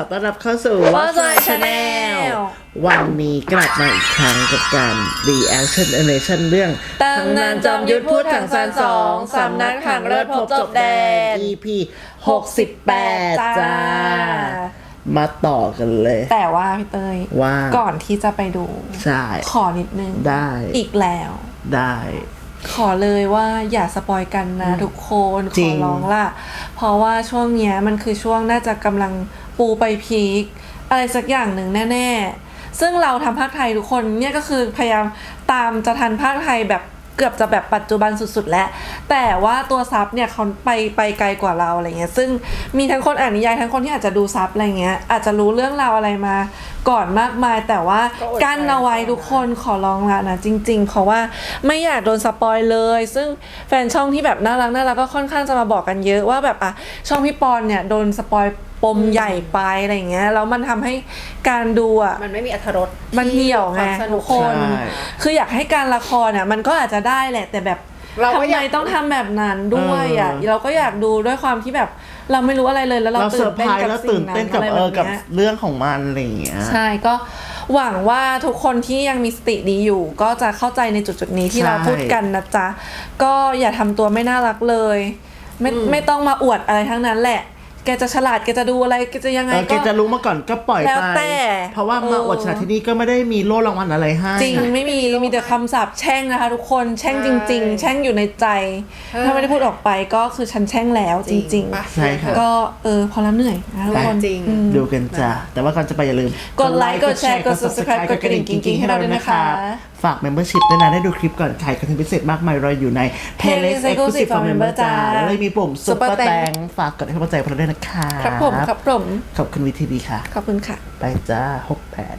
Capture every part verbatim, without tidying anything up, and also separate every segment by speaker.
Speaker 1: ต้อนรับเข้าสู่
Speaker 2: What's My Channel
Speaker 1: วันนี้กลับมาอีกครั้งกับการ reaction animation เรื่อง
Speaker 2: ตำนานจอมยุทธพูดถังซานสองสำนักถังเลิศพบจบแดน
Speaker 1: อี พี หกสิบแปด จ้า มาต่อกันเลย
Speaker 2: แต่ว่าพี่เตย
Speaker 1: ว่า
Speaker 2: ก่อนที่จะไปดู
Speaker 1: ใช่
Speaker 2: ขอนิดนึง
Speaker 1: ได้
Speaker 2: อีกแล้ว
Speaker 1: ได้
Speaker 2: ขอเลยว่าอย่าสปอยกันนะทุกคนข
Speaker 1: จริ
Speaker 2: อง ร้องล่ะ เพราะว่าช่วงเนี้ยมันคือช่วงน่าจะกำลังปูไปพีคอะไรสักอย่างหนึ่งแน่ๆ ซึ่งเราทำภาคไทยทุกคนเนี่ยก็คือพยายามตามจะทันภาคไทยแบบเกือบจะแบบปัจจุบันสุดๆแล้วแต่ว่าตัวซับเนี่ยเขาไปไปไกลกว่าเราอะไรเงี้ยซึ่งมีทั้งคนอ่านนิยายทั้งคนที่อาจจะดูซับอะไรเงี้ยอาจจะรู้เรื่องราวอะไรมาก่อนมากมายแต่ว่ากั้นเอาไว้ทุกคนขอร้องละนะจริงๆเพราะว่าไม่อยากโดนสปอยเลยซึ่งแฟนช่องที่แบบน่ารักน่ารักก็ค่อนข้างจะมาบอกกันเยอะว่าแบบอ่ะช่องพี่ปอนเนี่ยโดนสปอยปมใหญ่ไปอะไรเงี้ยแล้วมันทำให้การดูอ่ะ
Speaker 3: มันไม่มีอรรถรส
Speaker 2: มันเหี่ยวไง
Speaker 3: ความสนุ
Speaker 2: ทุ
Speaker 3: ก
Speaker 2: กคน
Speaker 1: ใช่
Speaker 2: คืออยากให้การละครอ่ะมันก็อาจจะได้แหละ แต่แบบ
Speaker 3: เรา
Speaker 2: ทำ
Speaker 3: ก็
Speaker 2: ไม
Speaker 3: อยาก
Speaker 2: ต้องทำแบบนั้นด้วยอ่ะ
Speaker 1: เออ
Speaker 2: เราก็อยากดูด้วยความที่แบบเราไม่รู้อะไรเลยแล้วเรา
Speaker 1: เราเซ
Speaker 2: ตื่
Speaker 1: อน ร์ไพ
Speaker 2: เต้น
Speaker 1: รส์
Speaker 2: กับ
Speaker 1: แล้ว
Speaker 2: สิ่
Speaker 1: ตื่
Speaker 2: ง
Speaker 1: น
Speaker 2: นั้
Speaker 1: เต้น
Speaker 2: น
Speaker 1: กับ
Speaker 2: อะไร
Speaker 1: เอ
Speaker 2: แบ
Speaker 1: อบ กับ
Speaker 2: เนี้ย
Speaker 1: เรื่องของมันอะไรอย่างเงี้ย
Speaker 2: ใช่ก็หวังว่าทุกคนที่ยังมีสติดีอยู่ ก็จะเข้าใจในจุดจุดๆนี้ที่
Speaker 1: ใช่
Speaker 2: เราพูดกันนะจ๊ะก็อย่าทำตัวไม่น่ารักเลยไม่ไม่ต้องมาอวดอะไรทั้งนั้นแหละ แกจะฉลาดแกจะดูอะไรแกจะยังไง
Speaker 1: เออแก
Speaker 2: ก็
Speaker 1: จะรู้มาก่อนก็ปล่อย
Speaker 2: แล้ว
Speaker 1: ไป
Speaker 2: แต่
Speaker 1: เพราะว่ามา
Speaker 2: เออ
Speaker 1: อวดฉลาดที่นี่ก็ไม่ได้มีโล่รางวัลอะไรให้
Speaker 2: จริงไม่มีมีแต่คำสาปแช่งนะคะทุกคนแช่งจริง ๆ แช่งอยู่ในใจ ถ้าไม่ได้พูดออกไปก็คือฉันแช่งแล้วจริง
Speaker 3: ปะ
Speaker 1: ใช่ค่ะ
Speaker 2: ๆ ก็เออพอแล้วเหนื่อยนะทุกคน
Speaker 3: จริง
Speaker 2: อืม
Speaker 1: ดูกันจ้ะแต่ว่าก่อนจะไปอย่าลืม
Speaker 2: กดไลค์กดแชร์กด Subscribe กดกระดิ่งกิ๊งๆให้เราด้วยนะคะ
Speaker 1: ฝาก Membership ด้วยนะได้ดูคลิปก่อนใครคอนเทนต์พิเศษมากมายรออยู่ใน Playlist Exclusive for Member จ้าแล้วเลยมีปุ่ม Super
Speaker 2: Super
Speaker 1: Thank ฝากกดให้กำลังใจพวกเราด้วยนะคะ
Speaker 2: ครับผมครับผม
Speaker 1: ขอบคุณวีทีวีค่ะ
Speaker 2: ขอบคุณค่ะ
Speaker 1: ไปจ้าหกแปด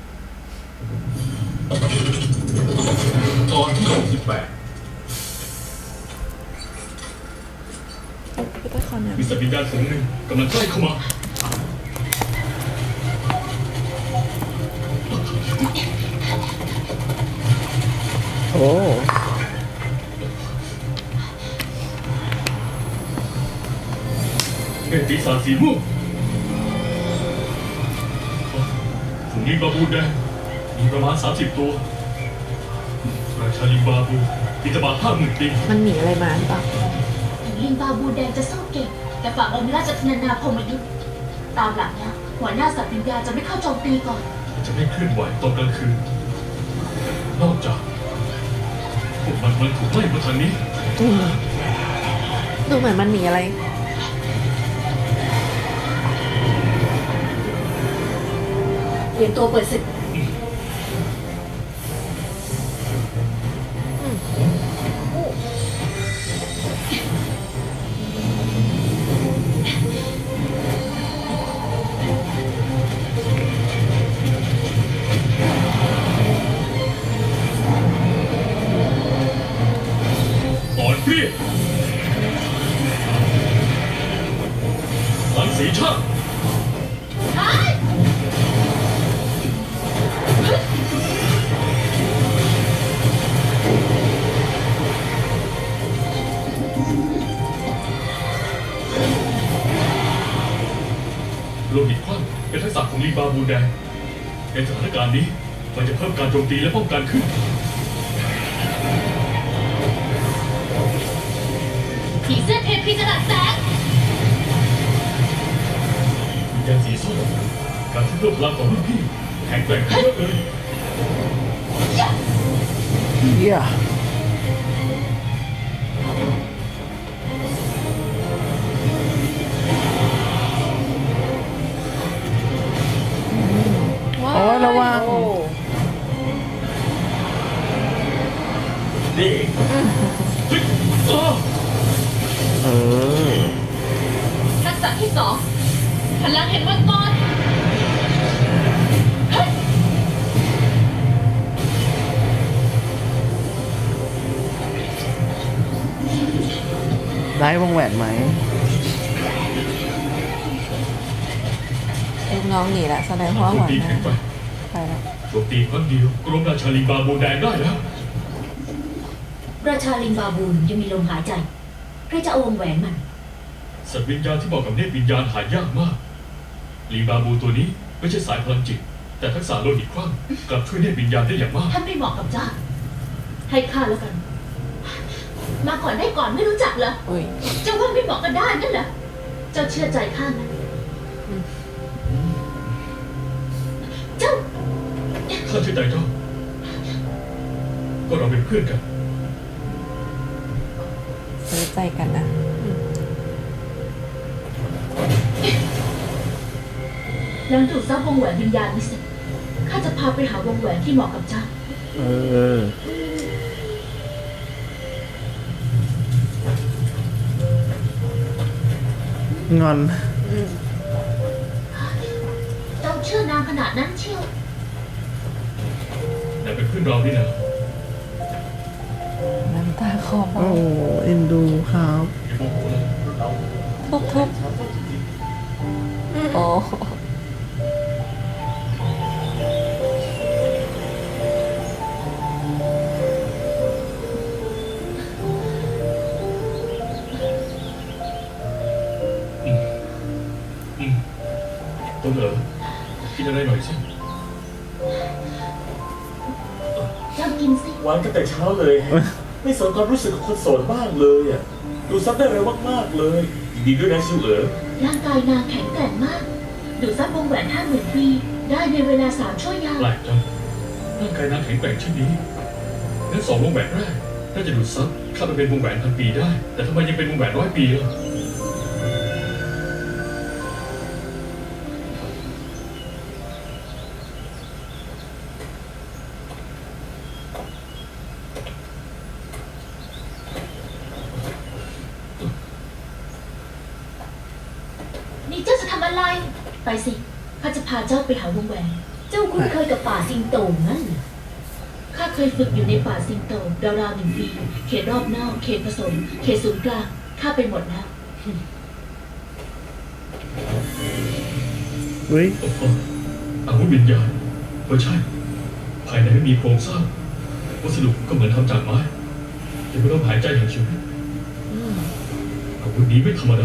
Speaker 4: ตอนที่หกสิบแปด
Speaker 2: พี่ต้อยขอเนี่ย
Speaker 4: มีสัตว์วิญญาณฝูงหนึ่งกำลังใกล้เข้ามา
Speaker 1: โอ้
Speaker 4: เป็นปีศาจสีม่วงฝูงลิงบาบูแดงมีประมาณสามสิบตัวราชาลิงบาบูมีตบะห้าหมื่นปี
Speaker 2: มันหนีอะไรมาหรือเปล่า
Speaker 5: ลิงบาบูแดงจะสู้เก่งแต่ฝั่งองค์ราชธนานาพรหมยุทธ์ตามหลังนะหัวหน้าสัตว์วิญญาณจะไม่เข้าโจมตีก่อน
Speaker 4: จะไม่เคลื่อนไหวตอนกลางคืน นอกจากพวกมันมันถูกไล่มาทางนี้
Speaker 2: อืมดูเหมือนมันหนีอะไร
Speaker 5: เตรียมตัวเปิดศึก
Speaker 4: อ่อนเปรี้ยหลังสีชาติโลหิตคลั่งเป็นทักษะของลิงบาบูแดงในสถานการณ์นี้มันจะเพิ่มการโจมตีและป้องกันขึ้น
Speaker 5: ผีเสื้อเทพีจรัสแสง
Speaker 4: วิญญาณสีส้มการที่เพิ่มพลังของรุ่นพี่แข็งแกร่งขึ้นเยอะเลย
Speaker 1: เยี่ยโอ้ยระวัง
Speaker 4: นี่เฮ้ยอ้อ
Speaker 1: เออ
Speaker 5: ทักษะที่สองพลังเห็นมังกร
Speaker 1: ได้วงแหวนไหม
Speaker 2: ลูกน้องหนีละแสดงว่า
Speaker 4: โจ
Speaker 2: หั
Speaker 4: ม
Speaker 2: ว
Speaker 4: ตี
Speaker 2: หน้า
Speaker 4: แข็งไป
Speaker 2: ไปแล้ว
Speaker 4: โจมตีครั้งเดียวกรมราชาลิงบาบูแดงได้แล้ว
Speaker 5: ราชาลิงบาบูนยังมีลมหายใจใครจะเอาวงแหวนมัน
Speaker 4: สัตว์วิญญาณที่บอกกับเนตรวิญญาณหายากมากลีบาบูตัวนี้ไม่ใช่สายพลังจิต แต่ทักษะโลหิตคลั่งกลับช่วยเรียกวิญญาณได้อย่างมาก
Speaker 5: ท่านไม่เหมาะกับเจ้า ให้ข้าแล้วกัน มาก่อนได้ก่อนไม่รู้จักเหรอ
Speaker 2: อุ้ย
Speaker 5: เจ้าว่าไม่เหมาะกันได้นั่นเหรอ เจ้าเชื่อใจข้าไหมเจ้า
Speaker 4: ข้าเชื่อใจเจ้า ก็เราเป็นเพื่อนกัน
Speaker 2: ซื้อใจกันนะอืม
Speaker 5: หลังดูดซับวงแหวนวิญญาณนี้เสร็จข้าจะพาไปหาวงแหวนที่เหมาะกับเจ้า
Speaker 1: เออ งอน
Speaker 5: เจ้าเชื่อนางขนาดนั้นเชียว
Speaker 4: แต่เป็นเพื่อนเรานี่นะ
Speaker 2: น้ำตาคลอ
Speaker 1: โอ้เอ็นดูครับ
Speaker 4: อย่าโมโหเลย
Speaker 2: ทุบทุบโอ้
Speaker 4: อืมต้องเหรอกินอะไรหน่อยสิ
Speaker 5: เจ้ากินสิ
Speaker 3: หวานกันแต่เช้าเลย ไม่สนความรู้สึกของคนโสดบ้างเลยอ่ะดูซับได้เร็วมากๆเลยยินดีด้วยนะชิวเอ๋อ
Speaker 5: ร่างกายนางแข็งแกร่งมาก ดูดซับวงแหวนห้าหมื่นปี ได้ในเวลาสามชั่วยาม
Speaker 4: แปลกจังร่างกายนางแข็งแกร่งเช่นนี้งั้นสองวงแหวนแรกน่าจะดูดซับข้าไปเป็นวงแหวนพันปีได้ แต่ทำไมยังเป็นวงแหวนร้อยปีล่ะ
Speaker 5: นี่เจ้าจะทำอะไร ไปสิข้าจะพาเจ้าไปหาวงแหวน เจ้าคุ้นเคยกับป่าสิงโตงั้นเหรอข้าเคยฝึกอยู่ในป่าสิงโตราวๆหนึ่งปี เขตรอบนอก เขตผสม เขตศูนย์กลาง ข้าไปหมดแล้ว
Speaker 1: เฮ้ย
Speaker 4: โอ้โหอาวุธวิญญาณก็ใช่ ภายในไม่มีโครงสร้าง วัสดุก็เหมือนทำจากไม้แต่ไม่ต้องหายใจอย่างชีวิตอาวุธนี้ไม่ธรรมดา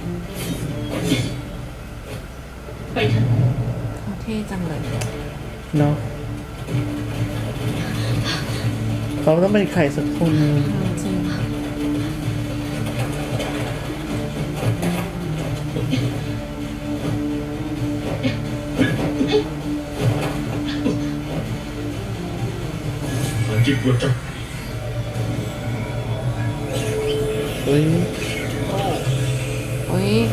Speaker 5: ไปเถอะ
Speaker 2: เขาเท่จังเลย
Speaker 1: เนาะเขาต้องเป็นใครสักคนหนึ่ง
Speaker 2: จริง
Speaker 4: พลังจิตรวดจับ
Speaker 1: เฮ้ย
Speaker 2: อุ้ย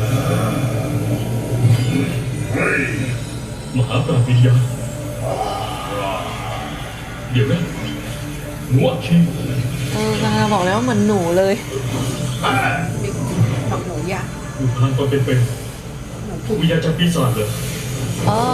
Speaker 4: มหาปราบวิญญาณเดี๋ยวนะหนูอัคคี
Speaker 2: เออกำลังบอกแล้วว่าเหมือนหนูเลย
Speaker 6: บอกหนูอยาก
Speaker 4: ดูพลังตอนเป็นๆพวกวิญญาณจากปีศาจเลย
Speaker 2: อ๋อ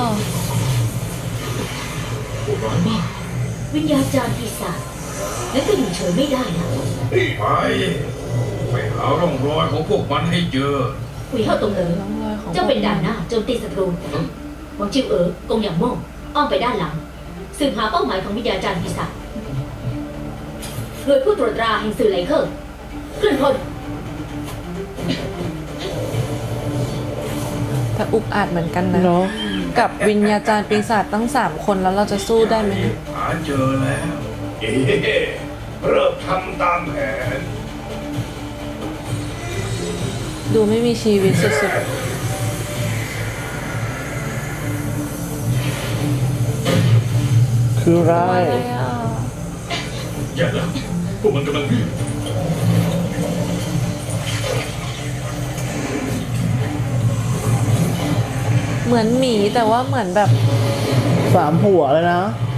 Speaker 4: โหดร้ายมาก
Speaker 5: วิญญาณจารย์ปีศาจแล้วก็อยู่เฉยไม่ได้นะ
Speaker 7: ไปไปหาร่องรอยของพวกมันให้เจอ
Speaker 5: คุยเข้าตรงเลย
Speaker 2: ร่องรอยของ
Speaker 5: เจ้าเป็นด่านหน้าโจมตีศัตรูหวังจิวเอ๋อกงหยางโม่งอ้อมไปด้านหลัง สืบหาเป้าหมายของวิญญาจารย์ปีศาจโดยผู้ตรวจตราแห่งสื่อไหลเคอร์เคลื่อนพล
Speaker 2: แต่อุกอาจเหมือนกันนะ
Speaker 1: เนาะ
Speaker 2: กับวิญญาจารย์ปีศาจตั้งสามคนแล้วเราจะสู้ได้ไหมเนี่ย
Speaker 7: หาเจอแล้ว เอ๊ะเริ่มทำตามแผน
Speaker 2: ดูไม่มีชีวิตสุด
Speaker 1: คือ
Speaker 2: ๆ
Speaker 1: ร้าย
Speaker 2: อะไรอ่ะ
Speaker 4: แย่แล้วพวกมันกำลังวิ่ง
Speaker 2: เหมือนหมีแต่ว่าเหมือนแบบ
Speaker 1: สามหัวเลยนะ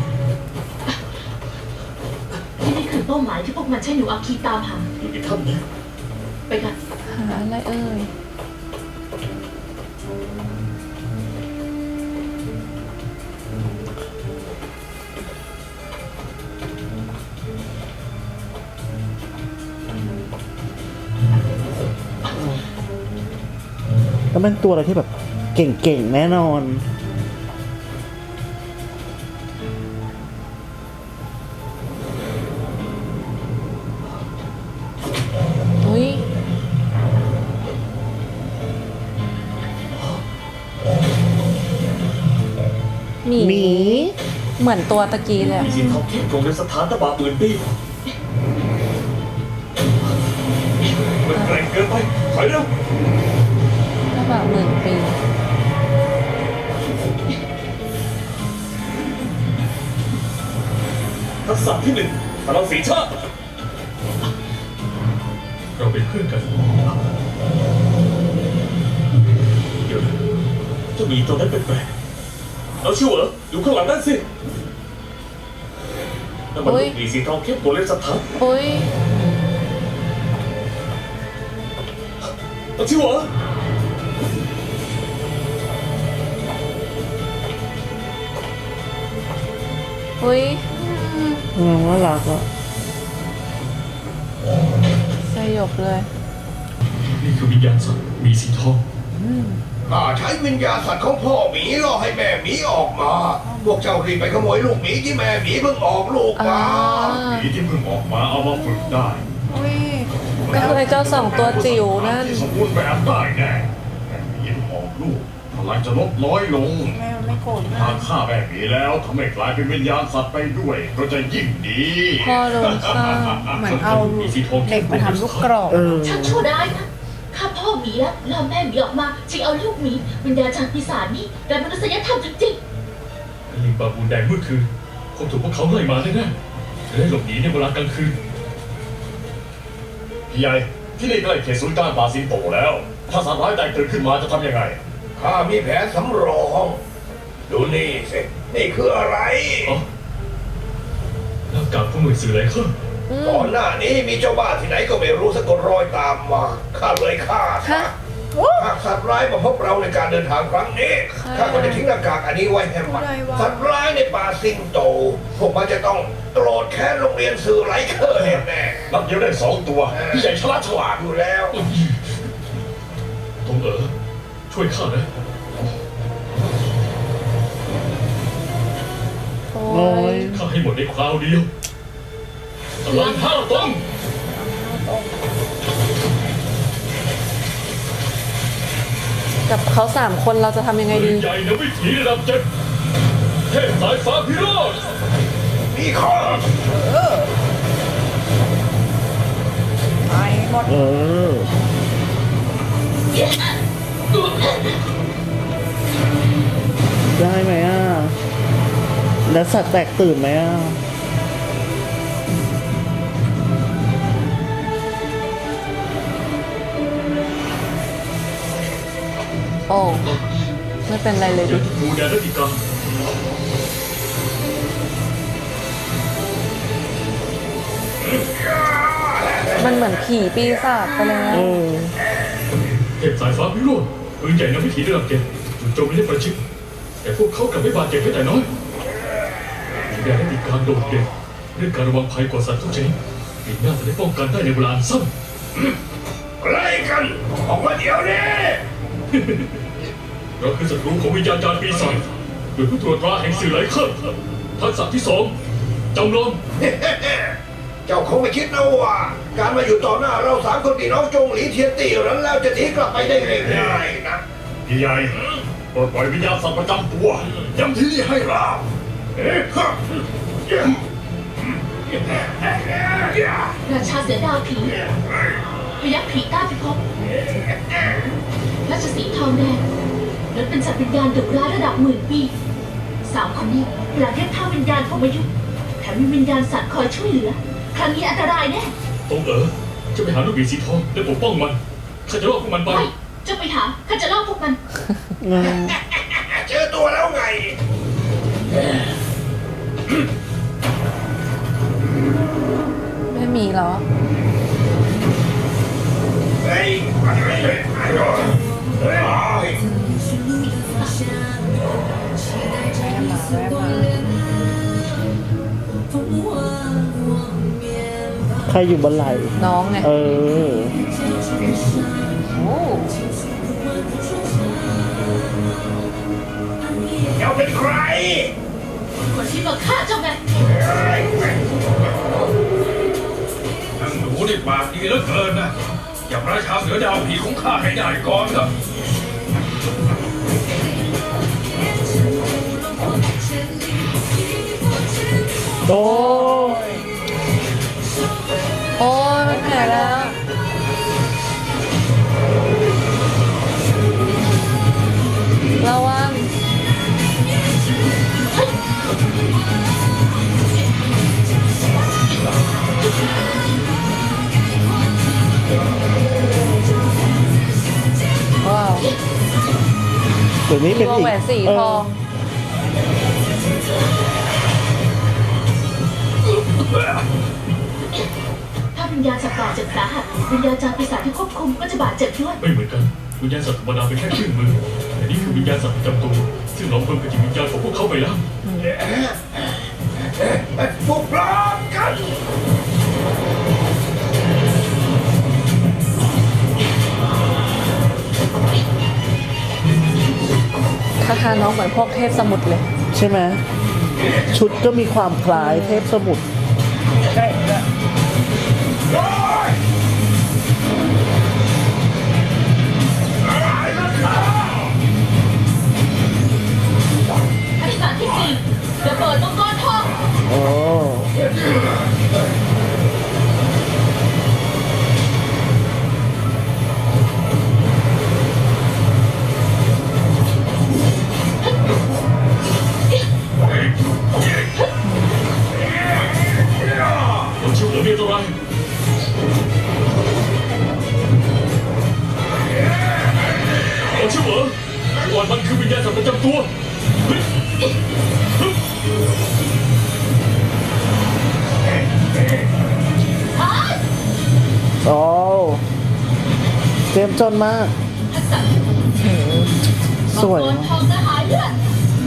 Speaker 5: ที่นี่คือเป้าหมายที่พวกมันใช้หนูอาคีตามหา
Speaker 3: อยู่ในถ้ำนี้
Speaker 5: ไปกัน
Speaker 2: หาอะไรเอ่ย
Speaker 1: ต้องเป็นตัวอะไรที่แบบเก่งๆ แน่นอน
Speaker 2: อุ้ยหมี
Speaker 1: หมี
Speaker 2: เหมือนตัวตะกี้เลย
Speaker 3: มีสินทองเข้มตรงในสถานตะบะหมื่นปีมันแกร่งเกินไปถอยเร็ว
Speaker 2: ก็แบบหมื่นปี
Speaker 3: ทักษะที่หนึ่งพลังสีชาติ
Speaker 4: เราเป็นเพื่อนกัน
Speaker 3: เดี๋ยวนะเจ้าหมีตัวนั้นแปลกๆเอาชิวเหรอดูข้างหลังนั่นสินั่นมัน
Speaker 2: อุ๊ย
Speaker 3: ลูกหมีสีทองเข้มตัวเล็กสถาน
Speaker 2: อุ้ย
Speaker 3: เอาชิวเหรอ
Speaker 2: อุ้ย
Speaker 1: อืมน่ารักอ่ะ
Speaker 2: สยบเลย
Speaker 4: นี่คือวิญญาณสัตว์มีสีทอง
Speaker 7: ข้าใช้วิญญาณสัตว์ของพ่อหมีล่อให้แม่หมีออกมา พวกเจ้ารีบไปขโมยลูกหมีที่แม่หมีเพิ่งออกลูกมา
Speaker 4: หมีที่เพิ่งออกมาเอามาฝึกได้
Speaker 2: อุ้ยก็คือไอ้เจ้าสองตัวจิ๋วนั่น
Speaker 4: ที่สมบูรณ์แบบได้แน่แม่หมีที่ออกลูกพลังจะลดน้อยลง
Speaker 6: แม่ไม่โกรธ
Speaker 4: หากฆ่าแม่หมีแล้วทำให้กลายเป็นวิญญาณสัตว์ไปด้วยก็จะยิ่งดี
Speaker 2: พ่อโดนฆ่า
Speaker 6: เหมือนเอาเด็กมาทำลูกกรอก
Speaker 1: เออ
Speaker 5: ช่างชั่วร้ายนะข้าพ่อหมีแล้วล่อแม่หมีออกมาจึงเอาลูกหมีวิญญาณจารย์ปีศาจนี่แต่มนุษยธรรมจริง
Speaker 4: ลิงบาบูนแดงเมื่อคืนคงถูกพวกเขาไล่มาแน่ๆจะได้หลบหนีในเวลากลางคืน
Speaker 7: พี่ใหญ่ที่นี่ใกล้เขตศูนย์กลางป่าสิงโตแล้ว ถ้าสัตว์ร้ายแตกตื่นขึ้นมาจะทำยังไง ข้ามีแผนสำรอง ดูนี่สินี่คืออะไร
Speaker 4: อ๋อหน้ากากผู้หน่วยสื่อไหลเคอร์
Speaker 7: ก่อนหน้านี้มีเจ้าบ้านที่ไหนก็ไม่รู้สะกดรอยตามมาข้าเลยฆ่าซะหากสัตว์ร้ายมาพบเราในการเดินทางครั้งนี้ข้าก็จะทิ้งหน้ากากอันนี้ไว้ให้มันสัตว์ร้ายในป่าสิงโต พวกมันจะต้องโกรธแค้นโรงเรียนสื่อไลเคอร์แน่ๆนับเดียวได้สองตัวพี่ใหญ่ฉลาดฉลาดอยู่แล้ว
Speaker 4: ตรงเอ๋อช่วยข้านะ
Speaker 2: โอ้
Speaker 1: โอ้
Speaker 2: ย
Speaker 1: ย
Speaker 4: ข้าให้หมดในคราวเดียวพลังห้าตรง
Speaker 2: กับเขาสามคนเราจะทำยังไง
Speaker 4: ปื
Speaker 2: ดี
Speaker 4: นใหญ่ในวิถีระดับเจ็ดเทพสายฟ้าพิโรธ
Speaker 7: มีข้อ
Speaker 6: ไปหมด
Speaker 1: เออ ได้ไหมอ่ะ แล้วสัตว์แตกตื่นไหมอ่ะ
Speaker 2: โอ้ ไม่เป็นไรเลย
Speaker 4: อย่า
Speaker 2: ดิ
Speaker 4: ที่มูแดนรัติกา
Speaker 2: มันเหมือนผีปีศาจไปแล้ว
Speaker 1: เออ
Speaker 4: เทพสายฟ้าพิโรธปืนใหญ่ในวิถีระดับเจ็ดจู่โจมไม่ได้ประชิดแต่พวกเขากลับไม่บาดเจ็บแม้แต่น้อยมูแดนรัติกาโดดเด่นเรื่องการระวังภัยกว่าสัตว์ทุกชนิดปีหน้าจะได้ป้องกันได้ในเวลาอันสั้น
Speaker 7: อะไรกัน ออกมาเดี๋ยวนี้
Speaker 4: เราคือศัตรูของวิญญาณจารย์ปีศาจโดยผู้ตรวจตราแห่งสื่อไหลเคอร์ทักษะที่สองจำลอง
Speaker 7: เจ้าคงไม่คิดนะว่า การมาอยู่ต่อหน้าเราสามคนพี่น้องจงหลีเทียนตี้นั้นแล้วจะหนีกลับไปได้ง่ายๆนะพี่ใหญ่ปลดปล่อยวิญญาณสัตว์ประจำตัวย้ำที่นี่ให้เราเอ๊ะฮะ
Speaker 5: ๆราชาเสือดาวผีพยัคฆ์ผีใต้พิภพราชสีห์ทองแดงนั้นเป็นสัตว์วิญญาณดุร้ายระดับหมื่นปีสามคนนี้ประเทศท่าวิญญาณพรหมยุทธ์แถมมีวิญญาณสัตว์คอยช่วยเหลือ ครั้งนี้อันตรายแน่
Speaker 4: ตรงเอ๋อจะไปหาลูกหมีสีทองและปกป้องมันข้าจะรอดพวกมันไป
Speaker 5: ไม่เจะไปหาข้าจะล่อพวกมัน
Speaker 7: เจอตัวแล้วไง
Speaker 2: ไม่มีเหรอ
Speaker 7: เฮ้ยเฮ้ยเฮ้ยเฮ้ย
Speaker 6: แม่มาแม่มา
Speaker 1: ใครอยู่บนไหล่
Speaker 2: น้องไง
Speaker 1: เออ
Speaker 2: โอ้
Speaker 7: เจ้าเป็นใคร
Speaker 5: คนที่มาฆ่าเจ้าไง
Speaker 7: ทั้งหนูนี่ปากดีเหลือเกินนะอย่าพระชาเสือดาวผีของข้าให้ได้ก่อนเถอะ
Speaker 1: โอ้
Speaker 2: โอ้ยมันแผลแล้ว ระวัง ว้าว
Speaker 1: เดี๋ยวนี้เป็น
Speaker 2: วง
Speaker 1: อีก
Speaker 2: แหวนสี
Speaker 1: เอ
Speaker 2: ท
Speaker 1: อ
Speaker 2: อง
Speaker 5: ถ้าวิญญาณสัตว์ป่าเจ็บสาหัสวิญญาณจารปีศาจที่ควบคุมก็จะบาดเจ็บด้วย
Speaker 4: ไม่เหมือนกันวิญญาณสัตว์ธรรมดาเป็นแค่เครื่องมือแต่นี่คือวิญญาณสัตว์ประจำตัวซึ่งเราเพิ่มกับจิตวิญญาณของพวกเขาไปแล้ว
Speaker 7: พวกเรากัน
Speaker 2: คาถาน้องเหมือนพวกเทพสมุทรเลย
Speaker 1: ใช่ไหมชุดก็มีความคล้ายเทพสมุทร
Speaker 6: ใช่ด้วย
Speaker 5: อธิษฐานที่สี่ระเบิดมังกรทอง
Speaker 1: โอ้
Speaker 4: เราเชื่อเหลือเมียตัวไรเราเชื่อเหรอก่อนมันคือวิญญาณสัตว์ประจำตัวเฮ้ย
Speaker 1: โอ้เจ็มจนมาก
Speaker 5: ทักษะ
Speaker 1: สวย
Speaker 5: มังกรทองกระหายเลือด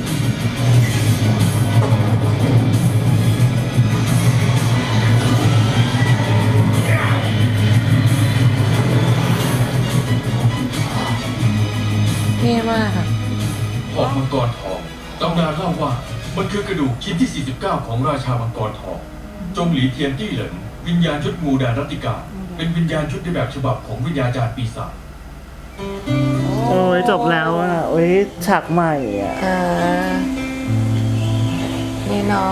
Speaker 2: เท่มากค่ะ
Speaker 8: หอกมังกรทองตำนานเล่าว่ามันคือกระดูกชิ้นที่ สี่สิบเก้า ของราชามังกรทอง จงหลีเทียนตี้เหลินวิญญาณชุดงูดานรัตติกา เป็นวิญญาณชุดในแบบฉบับของวิญญาจารย์ปีศาจ
Speaker 1: โอ้ยจบแล้วอ่ะโอ้ยฉากใหม่อ่ะ
Speaker 2: อ่า นี่น้อง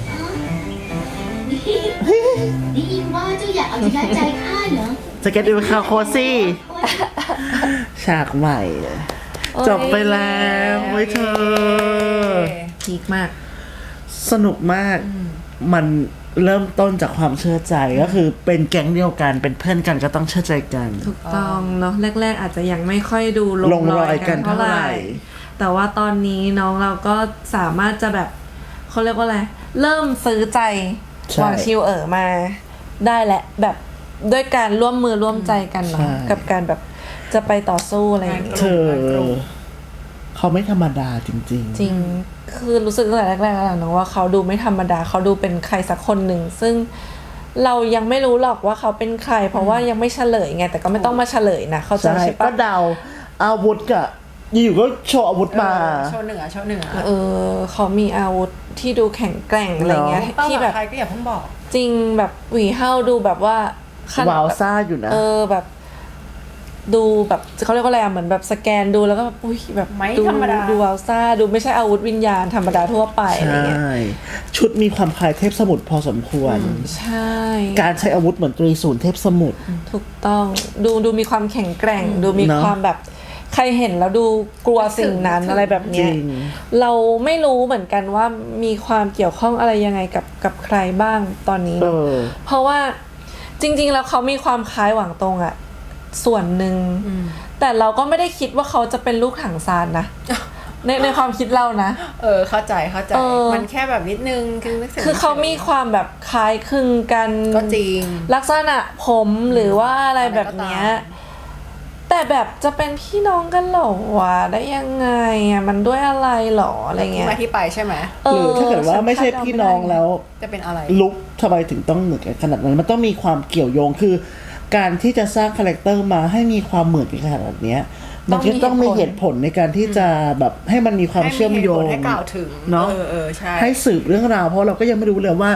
Speaker 5: ได้ยินว่าเจ้าอยากเอาชนะใจข้าเหรอ
Speaker 1: สเก็ตดูคาโคซี่ฉากใหม่อะ
Speaker 2: โอ้ย
Speaker 1: จบไปแล้วโอ้ยเธอ
Speaker 2: พีคมาก
Speaker 1: สนุกมาก มันเริ่มต้นจากความเชื่อใจก็คือเป็นแก๊งเดียวกันเป็นเพื่อนกันก็ต้องเชื่อใจกัน
Speaker 2: ถูกต้องเนาะแรก ๆ อาจจะยังไม่ค่อยดูล
Speaker 1: ล
Speaker 2: ง
Speaker 1: ง
Speaker 2: ร
Speaker 1: ร
Speaker 2: อ
Speaker 1: อย ยกั
Speaker 2: กัน
Speaker 1: น
Speaker 2: เท่า
Speaker 1: เท่า
Speaker 2: ไห
Speaker 1: ไหร่
Speaker 2: ร่ แต่ว่าตอนนี้น้องเราก็สามารถจะแบบเขาเรียกว่าอะไร เริ่มซื้อใจ
Speaker 1: ใช่
Speaker 2: หวางชิวเอ๋อมาได้แหละแบบด้วยการร่วมมือร่วมใจกันเนาะ
Speaker 1: ใช่
Speaker 2: กับการแบบจะไปต่อสู้อะไรอย่างเงี้ย
Speaker 1: เธอเขาไม่ธรรมดาจริง
Speaker 2: จริง คือรู้สึกตั้งแต่แรกๆแล้วนะว่าเขาดูไม่ธรรมดา เขาดูเป็นใครสักคนหนึ่ง ซึ่งเรายังไม่รู้หรอกว่าเขาเป็นใคร เพราะว่ายังไม่เฉลยไง แต่ก็ไม่ต้องมาเฉลยนะ เขา
Speaker 1: ๆ
Speaker 2: ใจ
Speaker 1: ใช่
Speaker 2: ใช่
Speaker 1: ก็
Speaker 2: ปะ
Speaker 1: เดาอาวุธกับอยู่ๆก็โชว์อาวุธมา
Speaker 6: โชว์เหนือโชว์เหนือ
Speaker 2: เออ เขามีอาวุธที่ดูแข็งแกร่งอะไรเงี้ย
Speaker 6: เป้า
Speaker 2: ที่
Speaker 6: ห
Speaker 2: แบ
Speaker 6: มาย
Speaker 2: บ
Speaker 6: ใครก็อย่าเพิ่งบอก
Speaker 2: จริงแบบหวีเฮ้าดูแบบว่าขนด
Speaker 1: วาว
Speaker 2: แบบ
Speaker 1: ซ่าอยู่นะ
Speaker 2: เออแบบ ดูแบบเขาเรียกว่าอะไรอะเหมือนแบบสแกนดูแล้วก็แบบอุ้ยแบบ
Speaker 6: ไม่
Speaker 2: ดู
Speaker 6: ธรรมดา
Speaker 2: ดูวาวซ่าดูไม่ใช่อาวุธวิญญาณธรรมดาทั่วไปอะไร
Speaker 1: ใช่
Speaker 2: เงี้ย
Speaker 1: ชุดมีความคล้ายเทพสมุทรพอสมควร
Speaker 2: ใช่
Speaker 1: การใช้อาวุธเหมือนตรีศูนย์เทพสมุทร
Speaker 2: ถูกต้องดูดูมีความแข็งแกร่ง ดูมี
Speaker 1: เนอะ
Speaker 2: ความแบบใครเห็นแล้วดูกลัวสิ่งนั้นอะไรแบบเนี้ย
Speaker 1: จริง
Speaker 2: เราไม่รู้เหมือนกันว่ามีความเกี่ยวข้องอะไรยังไงกับกับใครบ้างตอนนี้
Speaker 1: เอ
Speaker 2: เนอะ
Speaker 1: อ
Speaker 2: เพราะว่าจริง ๆ แล้วเขามีความคล้ายหวังตรงอะส่วนหนึ่งแต่เราก็ไม่ได้คิดว่าเขาจะเป็นลูกถังซานนะ ในในความคิดเรานะ
Speaker 6: เออเข้าใจเข้าใจ
Speaker 2: เออ
Speaker 6: มันแค่แบบนิดนึงคือนึกถึง
Speaker 2: คือเขามีความแบบคล้ายคลึงกัน
Speaker 6: ก็จริง
Speaker 2: ลักษณะผมหรือว่าอะไรแบบเนี้ย
Speaker 6: อะไรก็ตาม
Speaker 2: แต่แบบจะเป็นพี่น้องกันเหรอวะได้ยังไงอ่ะมันด้วยอะไรหรออะไรเงี้ย
Speaker 6: ที่มาที่ไปใช่ไหม
Speaker 2: เอ
Speaker 1: หรือถ้าเกิดว่า
Speaker 2: ฉัน
Speaker 1: ไม่ใช่
Speaker 2: คาดเดา
Speaker 1: พี่น้อง
Speaker 2: ไม่ได้
Speaker 1: แล้ว
Speaker 6: จะเป็นอะไร
Speaker 1: ลุกทำไมถึงต้องเหมือนกันขนาดนั้น มันต้องมีความเกี่ยวโยงคือ การที่จะสร้างคาแรคเตอร์มาให้มีความเหมือนกันขนาดเนี้ยมันก็ต้องมีเหตุผลในการที่จะแบบให้มันมีความเชื่อมโยง
Speaker 6: ให้กล่าวถึง
Speaker 1: เนาะ
Speaker 6: เออเออใช่
Speaker 1: ให้สืบเรื่องราวเพราะเราก็ยังไม่รู้เลยว่า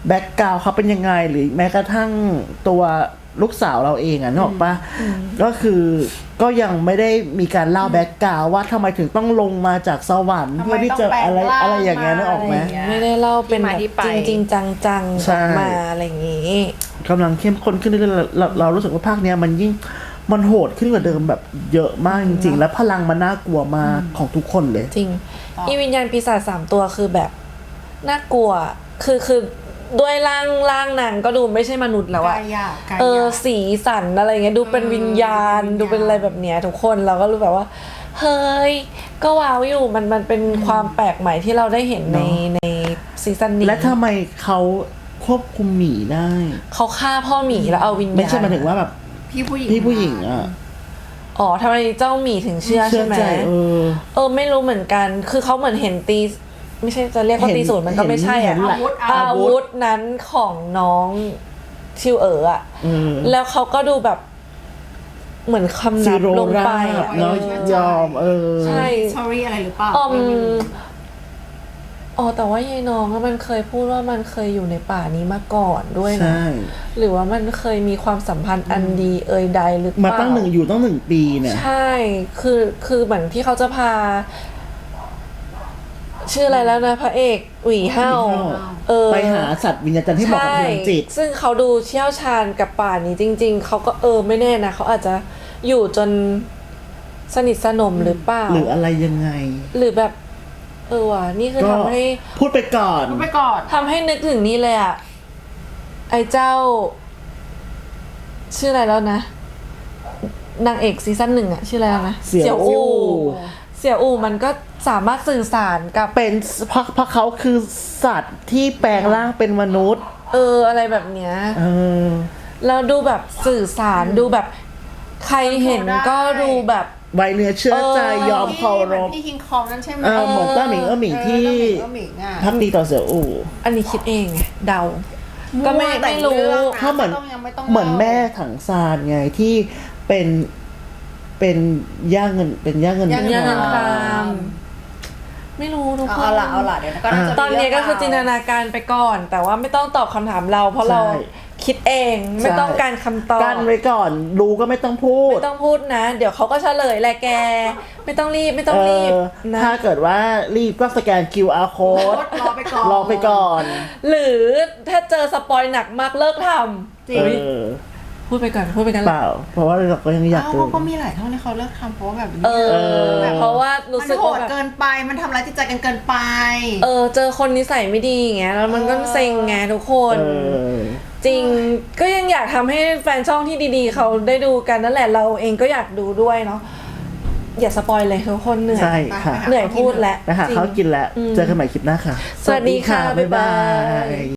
Speaker 1: แบ็กกราวเขาเป็นยังไงหรือแม้กระทั่งตัวลูกสาวเราเองอะนึกออกปะก็คือก็ยังไม่ได้มีการเล่าแบ็กกราวว่าทำไมถึงต้องลงมาจากสวรรค์
Speaker 6: ทำไม
Speaker 1: เพื่อที่จะ
Speaker 6: ต้องแปลง
Speaker 1: อะไร
Speaker 6: ร่าง
Speaker 1: อะไรอย่างเงี้ยนึกออกไหม
Speaker 6: มาอะไรอย่างเงี้ย
Speaker 2: ไม่ได้เล่าเป็นแบบ
Speaker 6: ที่มาที่ไป
Speaker 2: จริงๆจังๆ
Speaker 1: ใช่
Speaker 2: ออกมาอะไรอย่างงี้
Speaker 1: กำลังเข้มข้นขึ้นเรื่อยๆเราเรารู้สึกว่าภาคเนี้ยมันยิ่งมันโหดขึ้นกว่าเดิมแบบเยอะมากจริงๆ และพลังมันน่ากลัวมากของทุกคนเลย
Speaker 2: จริง อีวิญญาณปีศาจสามตัวคือแบบน่ากลัว คือคือด้วยร่างร่างนางก็ดูไม่ใช่มนุษย์แล้วอะ
Speaker 6: กายหยาบกายหยาบ
Speaker 2: เออสีสันอะไรเงี้ยดูเป็นวิญญาณ
Speaker 6: เออวิญญาณ
Speaker 2: ดูเป็นอะไรแบบเนี้ยทุกคนเราก็รู้แบบว่า เฮ้ย ก็ว้าวอยู่มันมันเป็นความแปลกใหม่ที่เราได้เห็นใน
Speaker 1: เนอะ
Speaker 2: ในซีซั่นนี้
Speaker 1: และทำไมเขาควบคุมหมีได้
Speaker 2: เขาฆ่าพ่อหมีแล้วเอาวิญญาณ
Speaker 1: ไม่ใช่หมายถึงว่าแบบ
Speaker 6: พี่ผู้หญิง
Speaker 1: พี่ผู้หญิงอ่ะ
Speaker 2: อ๋อทำไมเจ้าหมีถึงเชื่อ
Speaker 1: เชื่
Speaker 2: ใช่
Speaker 1: อ
Speaker 2: ไหม
Speaker 1: ใจเออ
Speaker 2: เออไม่รู้เหมือนกัน คือเขาเหมือนเห็นตี ไม่ใช่จะเรียกว่า
Speaker 1: เห็น
Speaker 2: ตีศูนย์มันก็ไม่ใช่
Speaker 1: เห็
Speaker 2: อะ
Speaker 1: นแหละ
Speaker 2: อาวุธนั้นของน้องชิวเอ๋ออะ
Speaker 1: เออ
Speaker 2: แล้วเขาก็ดูแบบเหมือนคำ
Speaker 1: ซี
Speaker 2: นับ
Speaker 1: โร
Speaker 2: ลง
Speaker 1: รา
Speaker 2: ไป
Speaker 1: บ
Speaker 2: อะ
Speaker 1: เนาะยอมเออ
Speaker 2: ใช่
Speaker 6: สตอรี่อะไรหรือเปล่า
Speaker 2: ออม
Speaker 6: ไม่รู้
Speaker 2: อ๋อแต่ว่ายายน้องอะมันเคยพูดว่ามันเคยอยู่ในป่านี้มาก่อนด้วยนะ
Speaker 1: ใช่
Speaker 2: หรือว่ามันเคยมีความสัมพันธ์อันดีเอ่ยใดหรือเป
Speaker 1: มา
Speaker 2: ล่า
Speaker 1: ตั้งหนึ่งอยู่ตั้งหนึ่งปีเนี่ย
Speaker 2: ใช่ คือ คือเหมือนที่เขาจะพา ชื่ออะไรแล้วนะพระเอกหวีเฮา
Speaker 1: หวีเห่า
Speaker 2: เออ
Speaker 1: ไปหาสัตว์วิญญาณที่เหมาะกับพลังจิต
Speaker 2: ใช่ซึ่งเขาดูเชี่ยวชาญกับป่านี้จริง ๆ เขาก็เออไม่แน่นะ เขาอาจจะอยู่จนสนิทสนมหรือเปล่า
Speaker 1: หรืออะไรยังไง
Speaker 2: หรือแบบ เออว่ะ นี่คือ
Speaker 1: ก็
Speaker 2: ทำให้
Speaker 1: พูดไปก่อน
Speaker 6: พูดไปก่อน
Speaker 2: ทำให้นึกถึงนี่เลยอะไอ้เจ้า ชื่ออะไรแล้วนะ นางเอกซีซั่นหนึ่งอะชื่ออะไรแล้วนะ
Speaker 1: เสี่ยวอู่
Speaker 2: เสี่ยวอู่มันก็สามารถสื่อสารกับ
Speaker 1: เป็นเพราะเพราะเขาคือสัตว์ที่แปลงร่างเป็นมนุษย์
Speaker 2: เอออะไรแบบเนี้ย
Speaker 1: เออ
Speaker 2: แล้วดูแบบสื่อสารดูแบบ ใครเห็นก็ดูแบบ
Speaker 1: ไวเนื้อเชื่อใจ
Speaker 2: เออ
Speaker 1: ยอมเคารพ
Speaker 6: พี่คิงคองนั่นใช่ไหม
Speaker 1: เออเหมือนต้าหมิงเออหมิงที่
Speaker 6: เออหมิงอ่ะ
Speaker 1: พักดีต่อเสี่ยวอู่
Speaker 2: อันนี้คิดเองไงเดา ก็ไม่
Speaker 6: แต่
Speaker 2: ไม่รู้
Speaker 6: เองะ
Speaker 1: เขาเหมือน
Speaker 6: ไต้องยังไม่ต้อง
Speaker 1: เหมือนแม่ถังซานไงที่เป็นเป็นย่าเงินเป็นย่าเงิน
Speaker 6: ย่า
Speaker 2: ย่าเงินค
Speaker 6: ค
Speaker 2: ราร
Speaker 6: าม ม
Speaker 2: ไม่รู้ทุกคน
Speaker 6: เอาละเอาละเดี๋ยวก็น่าจะมี
Speaker 2: ตอนนี้ก็คือจินตนาการไปก่อน แต่ว่าไม่ต้องตอบคำถามเรา เพราะเราคิดเองไม่ต้องการคำตอบ
Speaker 1: กั้นไว้ก่อนรู้ก็ไม่ต้องพูด
Speaker 2: ไม่ต้องพูดนะ เดี๋ยวเขาก็เฉลยแหละแก ไม่ต้องรีบไม่ต้องรีบ
Speaker 1: เออ
Speaker 2: นะ
Speaker 1: ถ้าเกิดว่ารีบก็สแกน คิว อาร์ code
Speaker 6: รอไปก่อน
Speaker 1: รอไปก่อน
Speaker 2: หรือถ้าเจอสปอยหนักมากเลิกท
Speaker 6: จริ
Speaker 1: เอง อ
Speaker 2: ำพูดไปก่อนพูดไปกัน
Speaker 1: เปล่า เพราะว่าเราก็ยังอยาก
Speaker 6: เอ้า
Speaker 1: ดู
Speaker 6: เขาก็มีหลายเท่าที่เขาเลิกทำเพราะว่าแบบนี้
Speaker 2: เออ
Speaker 6: แบบ
Speaker 2: เพราะว่ารู้
Speaker 6: มัน
Speaker 2: สึก
Speaker 6: โห
Speaker 2: ว่า
Speaker 6: ด
Speaker 2: แบบ
Speaker 6: เกินไปมันทำร้ายจิตใจกันเกินไป
Speaker 2: เออเจอคนนิสัยไม่ดีอย่างเงี้ยแล้วมันก็
Speaker 6: เออ
Speaker 2: เซ็งไงทุกคน
Speaker 1: เออ
Speaker 2: จริงก็ยังอยากทำให้แฟนช่องที่ดีๆ เขาได้ดูกันนั่นแหละเราเองก็อยากดูด้วยเนาะอย่าสปอยเลยทุกคนเหนื่อย
Speaker 1: ใช่ค่ะ
Speaker 2: เหนื่อยพูดแล้ว
Speaker 1: นะฮะ
Speaker 2: จริง
Speaker 1: เขากินแล้ว
Speaker 2: อืม
Speaker 1: เจอกันใหม่คลิปหน้าค่ะ
Speaker 2: สวัสดีค่ะบ๊ายบาย
Speaker 1: บ๊ายบาย